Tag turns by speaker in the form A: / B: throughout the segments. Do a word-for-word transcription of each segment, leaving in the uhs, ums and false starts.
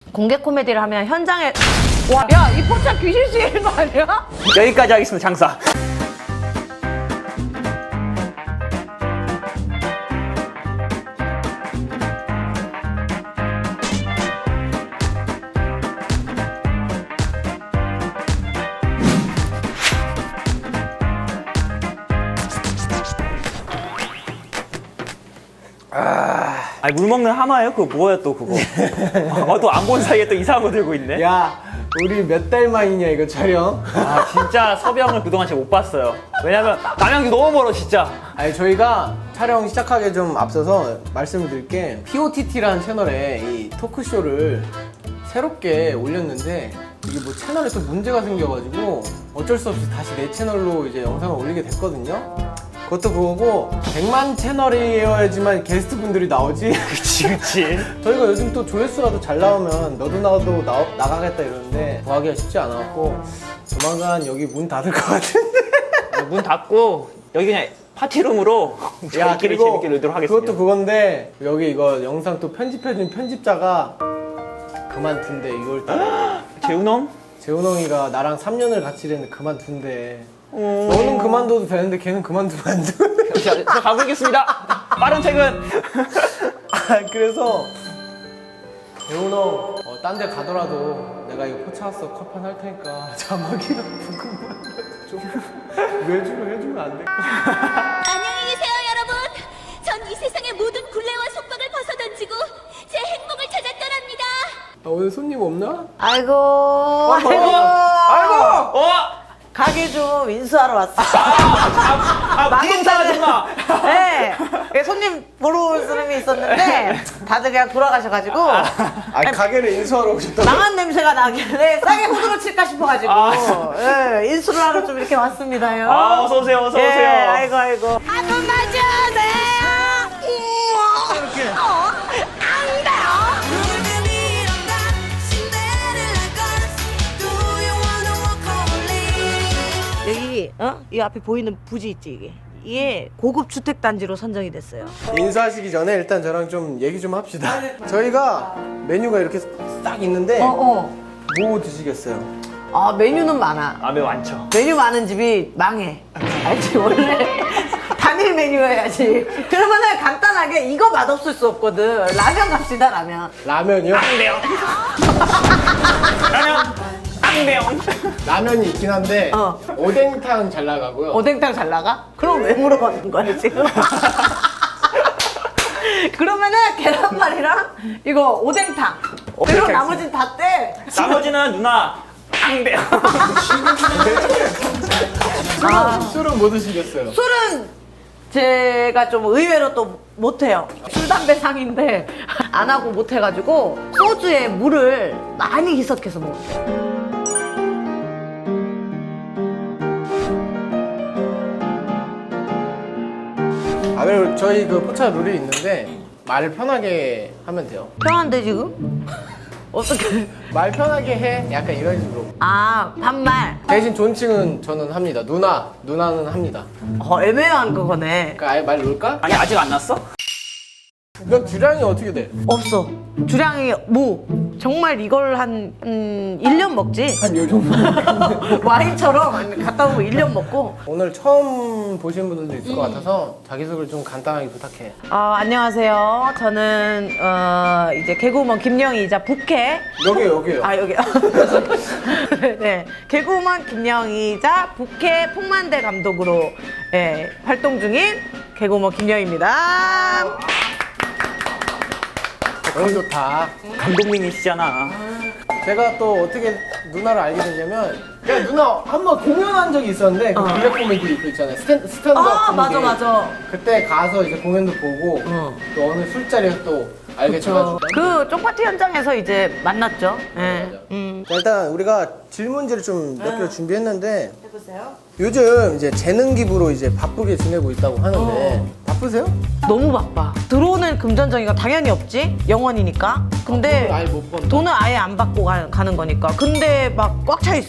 A: 공개 코미디를 하면 현장에 와, 야, 이 포차 귀신 씌이는 거 아니야?
B: 여기까지 하겠습니다, 장사. 아니 물 먹는 하마예요? 그거 뭐야 또 그거? 어, 또 안 본 사이에 또 이상한 거 들고 있네.
C: 야, 우리 몇 달 만이냐 이거 촬영?
B: 아 진짜 섭이 형을 그동안 제가 못 봤어요. 왜냐면 남양주 너무 멀어 진짜.
C: 아니 저희가 촬영 시작하기 좀 앞서서 말씀을 드릴게 피오티티라는 채널에 이 토크쇼를 새롭게 올렸는데 이게 뭐 채널에서 문제가 생겨가지고 어쩔 수 없이 다시 내 채널로 이제 영상을 올리게 됐거든요. 그것도 그거고 백만 채널이어야지만 게스트분들이 나오지.
B: 그치 그치.
C: 저희가 요즘 또 조회수라도 잘 나오면 너도 나도 나, 나가겠다 이러는데 구하기가 쉽지 않았고 조만간 여기 문 닫을 것 같은데.
B: 문 닫고 여기 그냥 파티룸으로 저희끼리 재밌게 놀도록 하겠습니다.
C: 그것도 그건데 여기 이거 영상 또 편집해준 편집자가 그만둔대 이걸 따라.
B: 재훈
C: 재훈홍이가 나랑 삼 년을 같이 일했는데 그만둔대.
B: 형?
C: 너는 그만둬도 되는데 걔는 그만두면 안 돼.
B: 자, 저 가보겠습니다. 빠른 퇴근.
C: 아, 그래서 재훈홍 어, 딴 데 가더라도 내가 이거 포차왔어 컵판 할 테니까 자막이랑 부금만 좀 외주로 해주면 안 될까?
D: 안녕히 계세요, 여러분. 전 이 세상의 모든 굴레와 속박을 벗어던지고 제 행복을 찾아 떠납니다.
C: 아, 오늘 손님 없나?
A: 아이고, 아이고,
B: 아이고. 어?
A: 가게 좀 인수하러 왔어.
B: 아 부동산 아줌마.
A: 네, 손님 보러 올 사람이 있었는데 다들 그냥 돌아가셔가지고
C: 아 가게를 인수하러 오셨다고?
A: 망한 냄새가 나길래 싸게 호두로 칠까 싶어가지고
B: 아.
A: 예, 인수를 하러 좀 이렇게 왔습니다요.
B: 아 어서 오세요 어서
A: 예,
B: 오세요.
A: 아이고 아이고.
D: 한번 맞아주세요. 이렇게. 어? 안 돼요.
A: 여기 어? 이 앞에 보이는 부지 있지 이게. 이게 고급 주택 단지로 선정이 됐어요.
C: 인수하시기 전에 일단 저랑 좀 얘기 좀 합시다. 저희가 메뉴가 이렇게 딱 있는데
A: 어 어.
C: 뭐 드시겠어요?
A: 아 메뉴는 많아.
B: 아 매우 많죠.
A: 메뉴 많은 집이 망해. 알지 원래 단일 메뉴여야지. 그러면은 간단하게 이거 맛없을 수 없거든. 라면 갑시다 라면.
C: 라면이요?
B: 앙대요. 라면. 앙대요.
C: 라면이 있긴 한데
A: 어.
C: 오뎅탕 잘 나가고요.
A: 오뎅탕 잘 나가? 그럼 왜 물어보는 거야 지금? 그러면은 계란말이랑 이거 오뎅탕. 그리고
B: 오뎅탕
A: 나머지는 다 떼.
B: 나머지는 누나 앙대요.
C: 술은, 술은 뭐 드시겠어요?
A: 술은 제가 좀 의외로 또 못해요. 술, 담배 상인데 안 하고 못해가지고 소주에 물을 많이 희석해서 먹어요.
C: 아 그리고 저희 그 포차 룰이 있는데 말을 편하게 하면 돼요.
A: 편한데 지금? 어떻게?
C: 말 편하게 해. 약간 이런 식으로.
A: 아 반말.
C: 대신 존칭은 저는 합니다. 누나, 누나는 합니다.
A: 어 애매한 그거네.
C: 그러니까 아예 말 놓을까?
B: 아니 아직 안 났어?
C: 너 주량이 어떻게 돼?
A: 없어. 주량이 뭐 정말 이걸 한 음, 일 년 먹지.
C: 한 요 정도.
A: 와인처럼 갔다 오고 일 년 먹고.
C: 오늘 처음 보신 분들도 있을 것 같아서 자기소개를 좀 간단하게 부탁해.
A: 어, 안녕하세요. 저는 어, 이제 개그우먼 김영희이자 부캐.
C: 여기요, 여기요.
A: 아 여기요. 네, 개그우먼 김영희이자 부캐 풍만대 감독으로 예, 활동 중인 개그우먼 김영희입니다.
C: 너무 좋다.
B: 감독님이시잖아.
C: 제가 또 어떻게 누나를 알게 됐냐면 야 누나 한 번 공연한 적이 있었는데 그 블랙 코미디 그 있잖아요. 스탠, 스탠드업
A: 아
C: 코미디.
A: 맞아 맞아.
C: 그때 가서 이제 공연도 보고
A: 어.
C: 또 어느 술자리에서 또 알게 돼가지고
A: 그 쪽파티 현장에서 이제 만났죠. 예.
C: 맞아.
A: 음.
C: 자, 일단 우리가 질문지를 좀 몇 개를 준비했는데
A: 해보세요.
C: 요즘 이제 재능 기부로 이제 바쁘게 지내고 있다고 하는데 바쁘세요?
A: 너무 바빠. 들어오는 금전정의가 당연히 없지. 영원이니까. 근데
C: 돈을 아예 못 번다.
A: 돈을 아예 안 받고 가, 가는 거니까. 근데 막 꽉 차 있어.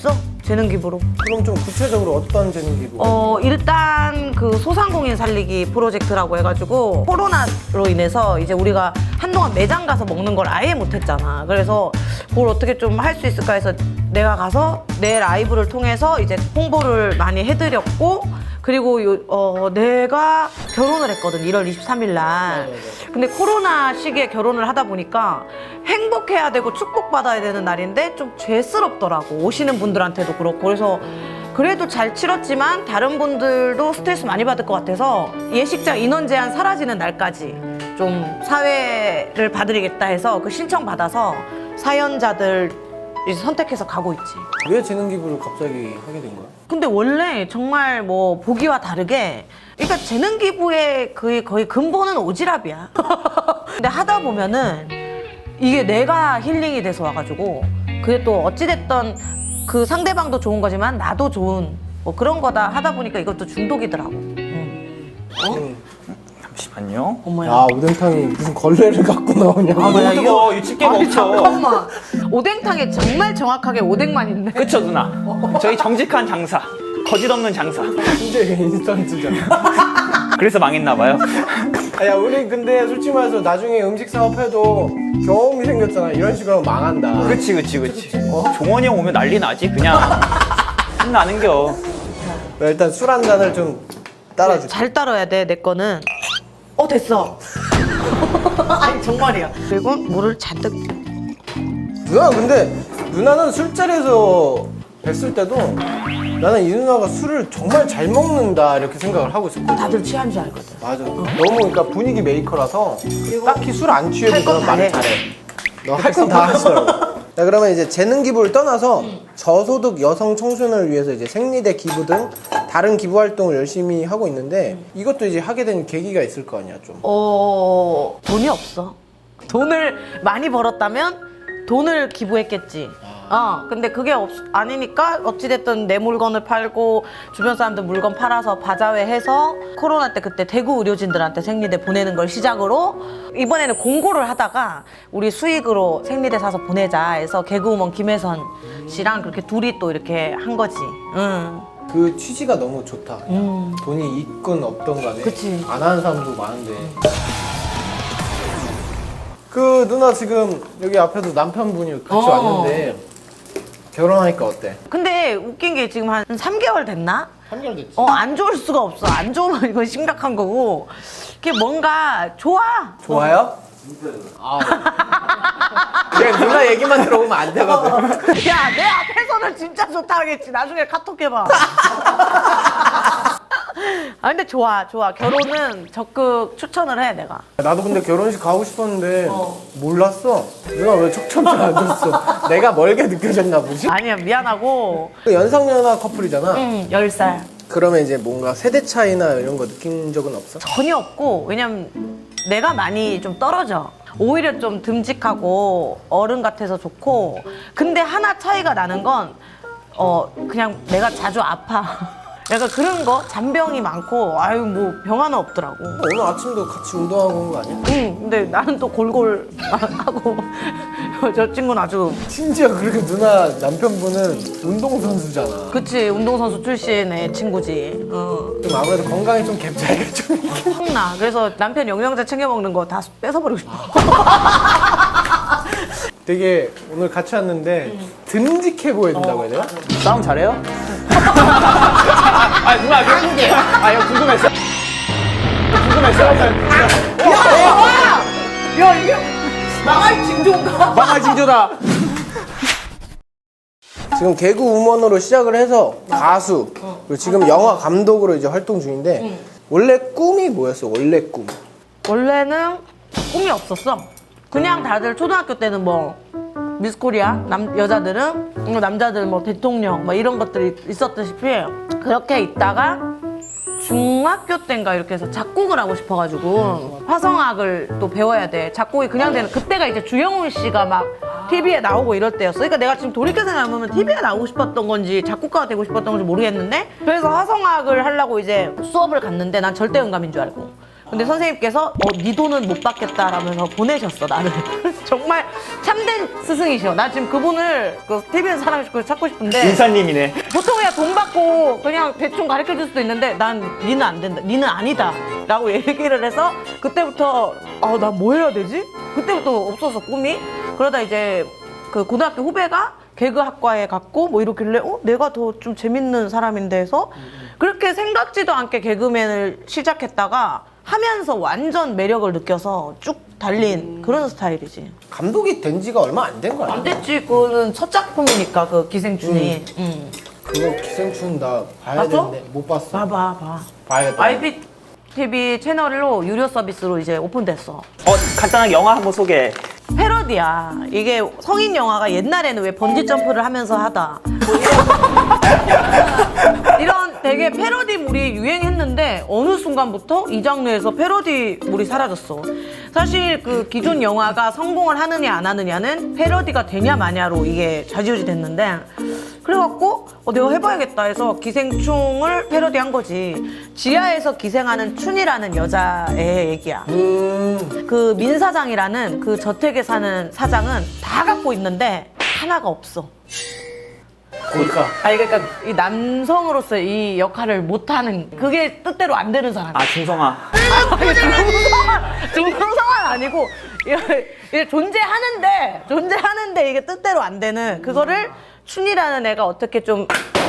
A: 재능 기부로.
C: 그럼 좀 구체적으로 어떤 재능 기부?
A: 어, 일단 그 소상공인 살리기 프로젝트라고 해가지고 코로나로 인해서 이제 우리가 한동안 매장 가서 먹는 걸 아예 못했잖아. 그래서 그걸 어떻게 좀 할 수 있을까 해서 내가 가서 내 라이브를 통해서 이제 홍보를 많이 해드렸고, 그리고 요, 어, 내가 결혼을 했거든, 일월 이십삼일 날. 근데 코로나 시기에 결혼을 하다 보니까 행복해야 되고 축복받아야 되는 날인데 좀 죄스럽더라고, 오시는 분들한테도 그렇고. 그래서 그래도 잘 치렀지만 다른 분들도 스트레스 많이 받을 것 같아서 예식장 인원 제한 사라지는 날까지 좀 사회를 봐드리겠다 해서 그 신청 받아서 사연자들 이제 선택해서 가고 있지.
C: 왜 재능 기부를 갑자기 하게 된 거야?
A: 근데 원래 정말 뭐 보기와 다르게, 그러니까 재능 기부의 거의, 거의 근본은 오지랖이야. 근데 하다 보면은 이게 내가 힐링이 돼서 와가지고, 그게 또 어찌됐던 그 상대방도 좋은 거지만 나도 좋은 뭐 그런 거다 하다 보니까 이것도 중독이더라고. 응.
C: 응.
B: 잠시만요.
A: 어머야.
C: 아, 오뎅탕이 무슨 걸레를 갖고 나오냐고.
A: 아, 뭐야,
B: 이거 이거 집게
A: 아니,
B: 먹죠.
A: 잠깐만. 오뎅탕에 정말 정확하게 오뎅만 있네.
B: 그쵸 누나. 저희 정직한 장사, 거짓 없는 장사.
C: 진짜 이게 인스턴트잖아.
B: 그래서 망했나 봐요.
C: 아, 야, 우리 근데 솔직히 말해서 나중에 음식 사업해도 경험이 생겼잖아. 이런 식으로 하면 망한다.
B: 그치 그치 그치. 어? 종원이 형 오면 난리 나지 그냥. 신나는겨.
C: 일단 술 한 잔을 좀 따라줄게.
A: 잘 따라야 돼, 내 거는. 어, 됐어. 아니, 정말이야. 그리고 물을 잔뜩.
C: 누나, 근데 누나는 술자리에서 뵀을 때도 나는 이 누나가 술을 정말 잘 먹는다 이렇게 생각을 하고 있었거든.
A: 다들 취한 줄 알거든.
C: 맞아. 너무 그러니까 분위기 메이커라서 딱히 술 안 취해도
A: 할건
C: 너는 말을
A: 다 해.
C: 잘해. 너 할 건 다 하시더라고. 자, 그러면 이제 재능 기부를 떠나서 저소득 여성 청소년을 위해서 이제 생리대 기부 등 다른 기부 활동을 열심히 하고 있는데 이것도 이제 하게 된 계기가 있을 거 아니야, 좀.
A: 어, 돈이 없어. 돈을 많이 벌었다면 돈을 기부했겠지. 어, 근데 그게 없, 아니니까 어찌됐든 내 물건을 팔고 주변 사람들 물건 팔아서 바자회 해서 코로나 때 그때 대구 의료진들한테 생리대 보내는 걸 시작으로 이번에는 공고를 하다가 우리 수익으로 생리대 사서 보내자 해서 개그우먼 김혜선 씨랑 그렇게 둘이 또 이렇게 한 거지. 응.
C: 그 취지가 너무 좋다.
A: 음.
C: 돈이 있건 없던 간에
A: 그치.
C: 안 하는 사람도 많은데. 그 누나 지금 여기 앞에도 남편분이 같이
A: 어.
C: 왔는데 결혼하니까 어때?
A: 근데 웃긴 게 지금 한 삼 개월 됐나?
C: 삼 개월 됐지.
A: 어, 안 좋을 수가 없어. 안 좋으면 이건 심각한 거고. 이게 뭔가 좋아.
C: 좋아요? 아. 그냥 누나 얘기만 들어보면 안 되거든.
A: 야, 내 앞에서는 진짜 좋다 하겠지. 나중에 카톡 해봐. 아, 근데 좋아, 좋아. 결혼은 적극 추천을 해, 내가.
C: 나도 근데 결혼식 가고 싶었는데
A: 어.
C: 몰랐어. 누나 왜 척척 안 줬어? 내가 멀게 느껴졌나 보지?
A: 아니야, 미안하고.
C: 그 연상연하 커플이잖아.
A: 응, 열 살.
C: 그러면 이제 뭔가 세대 차이나 이런 거 느낀 적은 없어?
A: 전혀 없고, 왜냐면 내가 많이 좀 떨어져. 오히려 좀 듬직하고 어른 같아서 좋고. 근데 하나 차이가 나는 건, 어, 그냥 내가 자주 아파. 약간 그런 거? 잔병이 많고, 아유, 뭐, 병 하나 없더라고.
C: 오늘 아침도 같이 운동하고 온 거 아니야?
A: 응, 근데 나는 또 골골 하고, 저 친구는 아주,
C: 심지어 그렇게 누나 남편분은 운동선수잖아.
A: 그치, 운동선수 출신의 친구지. 어.
C: 좀 아무래도 건강에 좀 갭 차이가 좀 있긴.
A: 확 나. 그래서 남편 영양제 챙겨 먹는 거 다 뺏어버리고 싶어.
C: 되게 오늘 같이 왔는데 듬직해 보여야 된다고 해야 되나?
B: 싸움 잘해요? 아 누나 그 한개. 아 이거 궁금했어. 궁금했어.
A: 야, 이게 망할 징조인가?
C: 망할 징조다. 지금 개그 우먼으로 시작을 해서 가수 그리고 지금 영화 감독으로 이제 활동 중인데 원래 꿈이 뭐였어? 원래 꿈.
A: 원래는 꿈이 없었어. 그냥 다들 초등학교 때는 뭐 미스코리아 남 여자들은 남자들 뭐 대통령 뭐 이런 것들이 있었다시피 그렇게 있다가 중학교 때인가 이렇게 해서 작곡을 하고 싶어가지고 화성학을 또 배워야 돼. 작곡이 그냥 되는 그때가 이제 주영훈 씨가 막 티비에 나오고 이럴 때였어. 그러니까 내가 지금 돌이켜 생각해보면 티비에 나오고 싶었던 건지 작곡가가 되고 싶었던 건지 모르겠는데 그래서 화성학을 하려고 이제 수업을 갔는데 난 절대 음감인 줄 알고 근데 선생님께서 어, 네 돈은 못 받겠다라면서 보내셨어 나를. 정말 참된 스승이셔. 나 지금 그분을 그 티비에서 사람 찾고 싶은데
B: 인사님이네.
A: 보통 그냥 돈 받고 그냥 대충 가르쳐 줄 수도 있는데 난 니는 안 된다. 니는 아니다. 라고 얘기를 해서 그때부터 아, 나 뭐 해야 되지? 그때부터 없어서 꿈이. 그러다 이제 그 고등학교 후배가 개그학과에 갔고 뭐 이러길래 어? 내가 더 좀 재밌는 사람인데 해서 그렇게 생각지도 않게 개그맨을 시작했다가 하면서 완전 매력을 느껴서 쭉 달린 그런 스타일이지.
C: 감독이 된 지가 얼마 안 된 거야.
A: 안 됐지. 그거는 첫 작품이니까 그 기생충이. 응.
C: 그거 기생충 나 봐야
A: 봤어?
C: 되는데 못 봤어.
A: 봐봐 봐.
C: 봐야겠다.
A: 아이비티비 채널로 유료 서비스로 이제 오픈됐어.
B: 어, 간단하게 영화 한번 소개.
A: 패러디야. 이게 성인 영화가 옛날에는 왜 번지 점프를 하면서 하다. 뭐 이런, 이런 되게 패러디물이 유행했는데 어느 순간부터 이 장르에서 패러디물이 사라졌어. 사실 그 기존 영화가 성공을 하느냐 안 하느냐는 패러디가 되냐 마냐로 이게 좌지우지 됐는데 그래갖고 어, 내가 해봐야겠다 해서 기생충을 패러디한 거지. 지하에서 기생하는 춘이라는 여자의 얘기야.
C: 음.
A: 그 민사장이라는 그 저택에 사는 사장은 다 갖고 있는데 하나가 없어.
C: 그러니까
A: 아니 그러니까 이 남성으로서 이 역할을 못하는 그게 뜻대로 안 되는 사람.
B: 아, 중성아.
A: 중성화 중성화는 아니고 이게, 이게 존재하는데 존재하는데 이게 뜻대로 안 되는 그거를 춘이라는 애가 어떻게 좀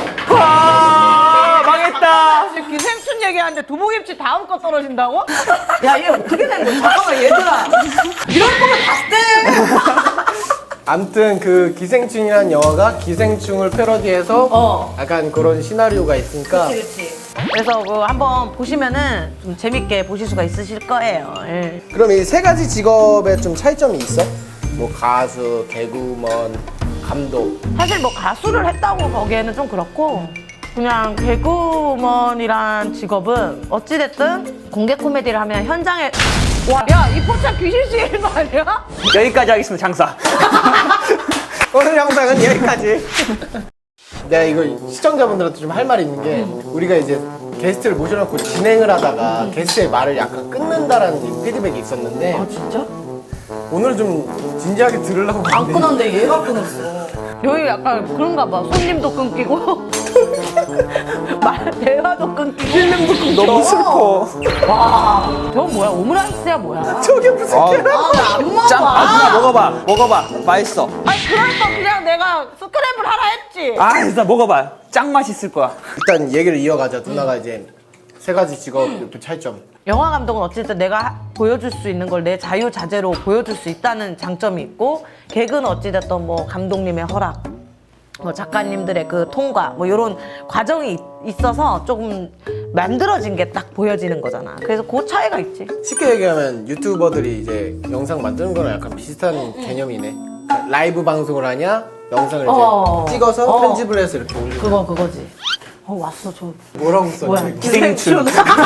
B: 와, 망했다.
A: 지금 기생충 얘기하는데 두부김치 다음 거 떨어진다고? 야 얘 어떻게 된 거야? 잠깐만 얘들아 이럴 거면 다 떼!
C: 암튼 그 기생충이라는 영화가 기생충을 패러디해서
A: 어.
C: 약간 그런 시나리오가 있으니까
A: 그렇지. 그래서 그 한번 보시면은 좀 재밌게 보실 수가 있으실 거예요. 예.
C: 그럼 이 세 가지 직업에 좀 차이점이 있어? 뭐 가수, 개그우먼, 감독.
A: 사실 뭐 가수를 했다고 보기에는 좀 그렇고 그냥 개그우먼이란 직업은 어찌됐든 공개 코미디를 하면 현장에 와, 야, 이 포차 귀신 씨인 거 아니야?
B: 여기까지 하겠습니다, 장사.
C: 오늘 영상은 여기까지. 내가 이거 시청자분들한테 좀 할 말이 있는 게 우리가 이제 게스트를 모셔놓고 진행을 하다가 게스트의 말을 약간 끊는다라는 피드백이 있었는데
A: 아, 진짜?
C: 오늘 좀 진지하게 들으려고
A: 안
C: 하는데
A: 끊었는데 얘가 끊었어. 여기 약간 그런가 봐. 손님도 끊기고 말 대화도 끊기고
C: 필름도 끊겨.
B: 너무 슬퍼.
A: 와, 저건 뭐야? 오므라이스야 뭐야?
C: 저게 무슨
B: 아,
C: 개라?
A: 아, 안 먹어.
B: 짱, 아, 누나 먹어봐. 먹어봐. 맛있어.
A: 아니 그러니까 그냥 내가 스크램블 하라 했지.
B: 아, 일단 먹어봐. 짱 맛있을 거야.
C: 일단 얘기를 이어가자. 누나가 이제 세 가지 직업 그 차이점.
A: 영화 감독은 어쨌든 내가 하- 보여줄 수 있는 걸 내 자유자재로 보여줄 수 있다는 장점이 있고 개그는 어찌됐든 뭐 감독님의 허락 뭐 작가님들의 그 통과 뭐 이런 과정이 있- 있어서 조금 만들어진 게 딱 보여지는 거잖아. 그래서 그 차이가 있지.
C: 쉽게 얘기하면 유튜버들이 이제 영상 만드는 거랑 약간 비슷한 개념이네. 라이브 방송을 하냐, 영상을 이제
A: 어.
C: 찍어서
A: 어.
C: 편집을 해서 이렇게 올리는.
A: 그거 그거지. 어 왔어 저
C: 뭐라고 썼지?
A: 뭐야
C: 이거?
B: 기생충.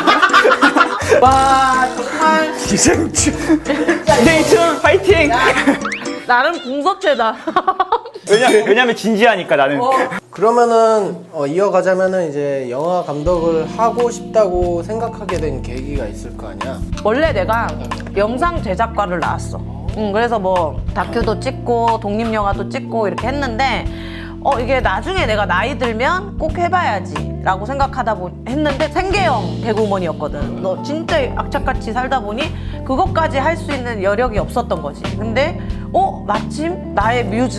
A: 와 정말
B: 기생충. 기생충 파이팅.
A: 나름 궁서체다.
B: 왜냐, 왜냐면 진지하니까 나는.
C: 그러면은 어, 이어가자면은 이제 영화 감독을 하고 싶다고 생각하게 된 계기가 있을 거 아니야?
A: 원래 내가 영상 제작과를 나왔어. 응, 그래서 뭐 다큐도 찍고 독립영화도 찍고 이렇게 했는데 어 이게 나중에 내가 나이 들면 꼭 해봐야지 라고 생각하다 보 했는데 생계형 개그우먼이었거든. 너 진짜 악착같이 살다 보니 그것까지 할 수 있는 여력이 없었던 거지. 근데 어 마침 나의 뮤즈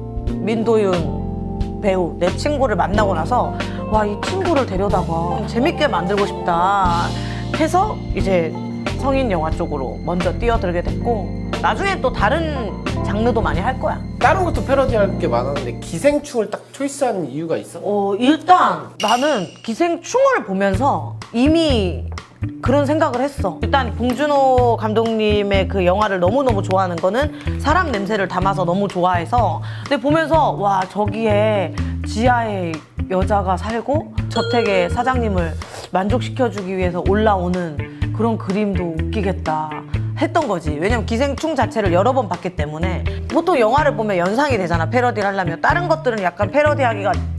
A: 민도윤 배우 내 친구를 만나고 나서 와 이 친구를 데려다가 재밌게 만들고 싶다 해서 이제 성인 영화 쪽으로 먼저 뛰어들게 됐고 나중에 또 다른 장르도 많이 할 거야.
C: 다른 것도 패러디할 게 많았는데 기생충을 딱 초이스한 이유가 있어?
A: 어 일단 나는 기생충을 보면서 이미 그런 생각을 했어. 일단 봉준호 감독님의 그 영화를 너무너무 좋아하는 거는 사람 냄새를 담아서 너무 좋아해서 근데 보면서 와 저기에 지하에 여자가 살고 저택의 사장님을 만족시켜주기 위해서 올라오는 그런 그림도 웃기겠다 했던 거지. 왜냐면 기생충 자체를 여러 번 봤기 때문에 보통 영화를 보면 연상이 되잖아. 패러디를 하려면 다른 것들은 약간 패러디하기가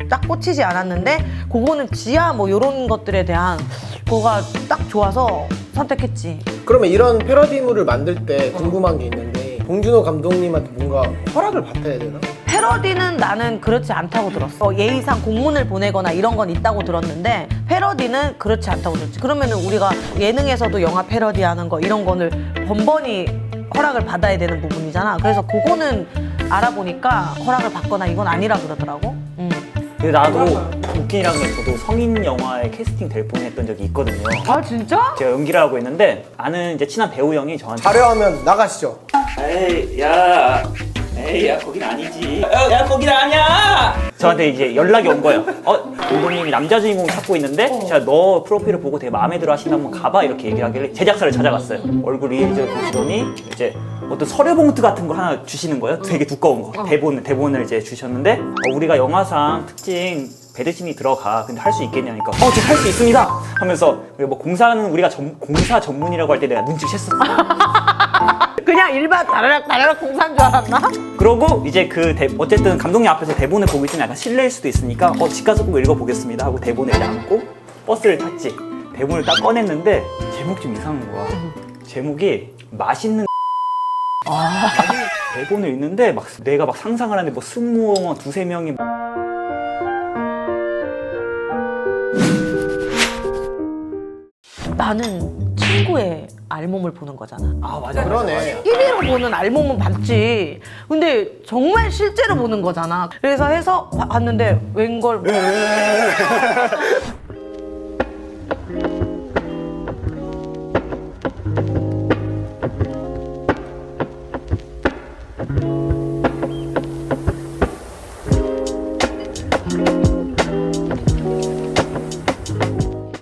A: 딱 꽂히지 않았는데 그거는 지하 뭐 이런 것들에 대한 그거가 딱 좋아서 선택했지.
C: 그러면 이런 패러디물을 만들 때 궁금한 게 있는데 봉준호 감독님한테 뭔가 허락을 받아야 되나?
A: 패러디는 나는 그렇지 않다고 들었어. 예의상 공문을 보내거나 이런 건 있다고 들었는데 패러디는 그렇지 않다고 들었지. 그러면은 우리가 예능에서도 영화 패러디하는 거 이런 거를 번번이 허락을 받아야 되는 부분이잖아. 그래서 그거는 알아보니까 허락을 받거나 이건 아니라 그러더라고. 음.
B: 근데 나도 웃긴이라는 게 저도 성인 영화에 캐스팅 될 뻔했던 적이 있거든요.
A: 아 진짜?
B: 제가 연기를 하고 있는데 아는 이제 친한 배우 형이 저한테
C: 자료하면 나가시죠.
B: 에이 야 에이 야 거긴 아니지 야, 야 거긴 아니야 저한테 이제 연락이 온 거예요. 어 감독님이 남자 주인공 찾고 있는데 제가 너 프로필을 보고 되게 마음에 들어 하신다 한번 가봐 이렇게 얘기를 하길래 제작사를 찾아갔어요. 얼굴이 이제 보시더니 이제 어떤 서류 봉투 같은 걸 하나 주시는 거예요. 되게 두꺼운 거 대본, 대본을 이제 주셨는데 어, 우리가 영화상 특징 배드신이 들어가 근데 할 수 있겠냐니까 어 저 할 수 있습니다 하면서 뭐 공사는 우리가 전, 공사 전문이라고 할 때 내가 눈치챘었어.
A: 그냥 일반 다라락 다라락 공사인 줄 알았나?
B: 그러고 이제 그 대, 어쨌든 감독님 앞에서 대본을 보고 있으면 약간 실례일 수도 있으니까 어 집 가서 꼭 읽어보겠습니다 하고 대본을 이제 안고 버스를 탔지. 대본을 딱 꺼냈는데 제목 좀 이상한 거야. 제목이 맛있는 아 대본을 읽는데 막 내가 막 상상을 하는데 뭐 승무원 두세 명이
A: 나는 친구의 알몸을 보는 거잖아.
B: 아 맞아
C: 그러네.
A: 일 위로 보는 알몸은 봤지. 근데 정말 실제로 보는 거잖아. 그래서 해서 봐- 봤는데 웬걸